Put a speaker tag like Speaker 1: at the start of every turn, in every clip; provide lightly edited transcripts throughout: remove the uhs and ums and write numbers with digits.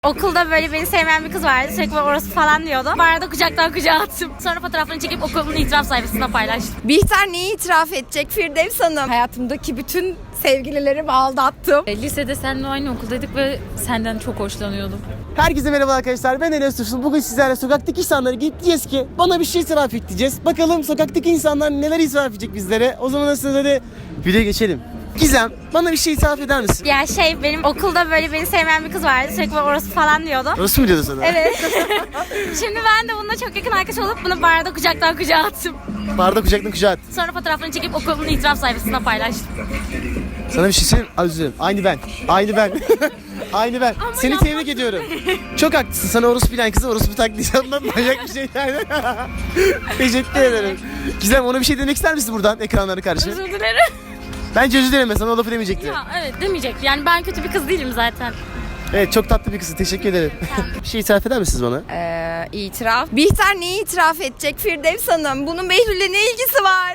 Speaker 1: Okulda böyle beni sevmeyen bir kız vardı. Sürekli orası falan diyordu. Bu arada kucaktan kucağa attım. Sonra fotoğrafını çekip okulumun itiraf sayfasına paylaştım.
Speaker 2: Bihter neyi itiraf edecek Firdevs Hanım? Hayatımdaki bütün sevgililerimi aldattım.
Speaker 3: Lisede seninle aynı okuldaydık ve senden çok hoşlanıyordum.
Speaker 4: Herkese merhaba arkadaşlar, ben Enes Tursun. Bugün sizlerle sokaktaki insanlara gidip diyeceğiz ki bana bir şey itiraf et diyeceğiz. Bakalım sokaktaki insanlar neler itiraf edecek bizlere. O zaman aslında hadi videoya geçelim. Gizem, bana bir şey itiraf eder misin?
Speaker 1: Ya benim okulda böyle beni sevmeyen bir kız vardı. Sürekli orası falan diyordu.
Speaker 4: Orası mı diyordu sana?
Speaker 1: Evet. Şimdi ben de bununla çok yakın arkadaş olup bunu barda kucaktan kucağa attım.
Speaker 4: Barda kucaktan kucağa at.
Speaker 1: Sonra fotoğrafını çekip okulumun itiraf sayfasına paylaştım.
Speaker 4: Sana bir şey söyleyeyim. Özür dilerim. Aynı ben. Aynı ben. Aynı ben. Seni tebrik ediyorum. Çok haklısın. Sana orospu bilen kızı orospu taklidi yapmam manyak bir şey yani. Teşekkür ederim. Gizem, ona bir şey demek ister misin buradan ekranlara karşı?
Speaker 1: Özür dilerim.
Speaker 4: Bence özür dilerim, sana o lafı demeyecekti.
Speaker 1: Ya evet demeyecek. Yani ben kötü bir kız değilim zaten.
Speaker 4: Evet, çok tatlı bir kızsın. Teşekkür ederim. Bir şey itiraf eder misiniz bana?
Speaker 2: İtiraf. Bihter neyi itiraf edecek Firdevs Hanım? Bunun Behlül'le ne ilgisi var?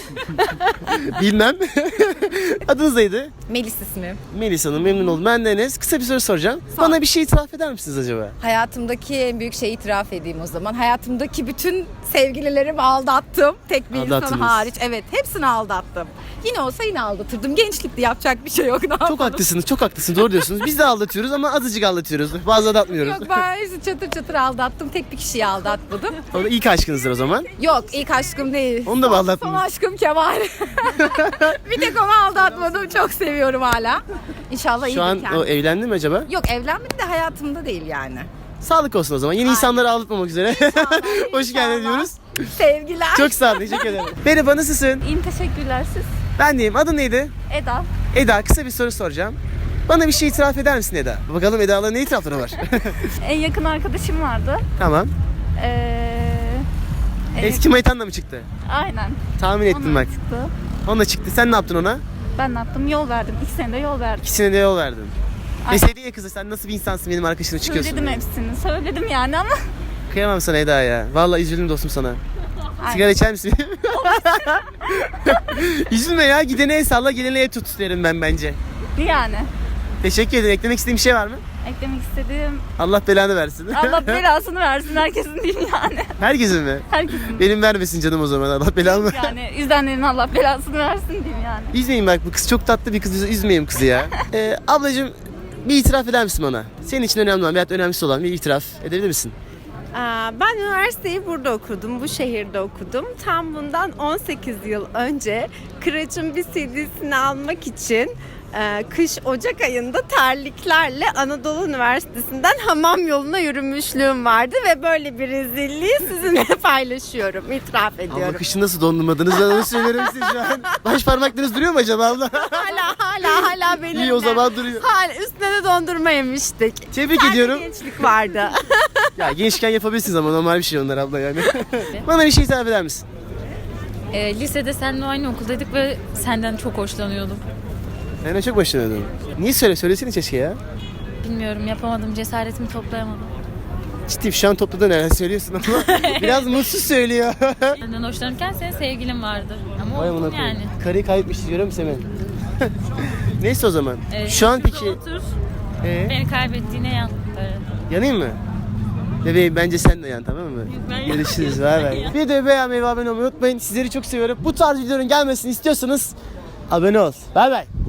Speaker 4: Bilmem. Adınız neydi?
Speaker 2: Melis ismi.
Speaker 4: Melis Hanım, memnun oldum. Ben de Enes. Kısa bir soru soracağım. Bana bir şey itiraf eder misiniz acaba?
Speaker 2: Hayatımdaki en büyük şeyi itiraf edeyim o zaman. Hayatımdaki bütün sevgililerimi aldattım. Tek bir insan
Speaker 4: Aldattınız.
Speaker 2: hariç. Evet, hepsini aldattım. Yine olsa yine aldatırdım. Gençlikte yapacak bir şey yok. Ne
Speaker 4: Çok
Speaker 2: yapalım?
Speaker 4: haklısınız, çok haklısınız. Doğru diyorsunuz. Biz de aldatıyoruz ama azıcık aldatıyoruz. Fazla aldatmıyoruz.
Speaker 2: Yok, ben hepsini çatır çatır aldattım. Tek bir kişiyi aldatmadım.
Speaker 4: O da ilk aşkınızdır o zaman.
Speaker 2: Yok, ilk aşkım değil.
Speaker 4: Onu da mı
Speaker 2: Son
Speaker 4: aldattınız?
Speaker 2: aşkım Kemal. Bir tek onu aldatmadım. Çok seviyorum hala. İnşallah iyidir
Speaker 4: Şu an
Speaker 2: kendisi.
Speaker 4: o evlendi mi acaba?
Speaker 2: Yok, evlenmedi de hayatımda değil yani.
Speaker 4: Sağlık olsun o zaman. Yeni insanları aldatmamak üzere. Hoş geldin diyoruz.
Speaker 2: Sevgiler.
Speaker 4: Çok sağ ol, teşekkür ederim. Merhaba, nasılsın?
Speaker 3: İyiyim, teşekkürler siz.
Speaker 4: Ben deyim. Adın neydi?
Speaker 3: Eda.
Speaker 4: Eda, kısa bir soru soracağım. Bana bir şey itiraf eder misin Eda? Bakalım Eda'la ne itirafları var?
Speaker 3: En yakın arkadaşım vardı.
Speaker 4: Tamam.
Speaker 3: Evet,
Speaker 4: Eski manitanla mı çıktı?
Speaker 3: aynen.
Speaker 4: Tahmin ettim
Speaker 3: Onunla
Speaker 4: bak.
Speaker 3: çıktı.
Speaker 4: Onunla çıktı. Sen ne yaptın ona?
Speaker 3: Ben ne yaptım? Yol verdim. 2 senede yol verdim.
Speaker 4: İkisine de yol verdin.
Speaker 3: Aynen.
Speaker 4: Deseydin ya kızı, sen nasıl bir insansın, benim arkadaşına çıkıyorsun.
Speaker 3: Söyledim hepsini. Söyledim yani ama.
Speaker 4: Kıyamam sana Eda ya. Vallahi üzüldüm dostum sana.
Speaker 3: Aynen.
Speaker 4: Sigara içer misin? Üzülme ya, gidene el salla, gelene el tut derim ben bence.
Speaker 3: Yani.
Speaker 4: Teşekkür ederim. Eklemek istediğin bir şey var mı?
Speaker 3: Eklemek istediğim
Speaker 4: Allah belanı versin.
Speaker 3: Allah belasını versin herkesin diyeyim yani.
Speaker 4: Herkesin mi?
Speaker 3: Herkesin.
Speaker 4: Benim vermesin canım o zaman. Allah belanı versin.
Speaker 3: Yani izleyenlerin Allah belasını versin diyeyim yani.
Speaker 4: Üzmeyin bak, bu kız çok tatlı bir kız. Üzmeyeyim kızı ya. Ablacığım, bir itiraf eder misin bana? Senin için önemli olan veyahut önemlisi olan bir itiraf edebilir misin?
Speaker 5: Ben üniversiteyi burada okudum, bu şehirde okudum. Tam bundan 18 yıl önce Kıraç'ın bir CD'sini almak için kış Ocak ayında terliklerle Anadolu Üniversitesi'nden hamam yoluna yürümüşlüğüm vardı ve böyle bir rezilliği sizinle paylaşıyorum, itiraf
Speaker 4: Abla,
Speaker 5: ediyorum.
Speaker 4: kışın nasıl dondurmadınız? Ben onu söylerim size şu an. Baş parmaklarınız duruyor mu acaba abla?
Speaker 5: Hala benim.
Speaker 4: İyi, o zaman duruyor.
Speaker 5: Hala üstüne de dondurma yemiştik.
Speaker 4: Tebrik
Speaker 5: Sadece
Speaker 4: ediyorum.
Speaker 5: gençlik vardı.
Speaker 4: Ya gençken yapabilirsiniz ama normal bir şey onlar abla yani. Bana bir şey itiraf eder misin?
Speaker 3: Lisede seninle aynı okuldaydık ve senden çok hoşlanıyordum.
Speaker 4: Ben de çok başlanıyordum. Niye söylesene keşke ya.
Speaker 3: Bilmiyorum, yapamadım, cesaretimi toplayamadım.
Speaker 4: Ciddi şu an topladın herhalde söylüyorsun ama biraz mutsuz söylüyor.
Speaker 3: Senden hoşlanırken senin sevgilin vardır. Ama
Speaker 4: Vay
Speaker 3: oldun
Speaker 4: amına koyayım.
Speaker 3: yani.
Speaker 4: Karıyı kaybetmiş diyorum Semen. Neyse o zaman. Şu an
Speaker 3: şurada
Speaker 4: peki
Speaker 3: Otur,
Speaker 4: Ee?
Speaker 3: beni kaybettiğine yan. Böyle.
Speaker 4: yanayım mı? Bebeğim, bence sen de yan, tamam mı?
Speaker 3: Ben
Speaker 4: Görüşürüz. Bay bay. Bir de beğenmeyi ve abone olmayı unutmayın. Sizleri çok seviyorum. Bu tarz videoların gelmesini istiyorsanız abone ol. Bay bay.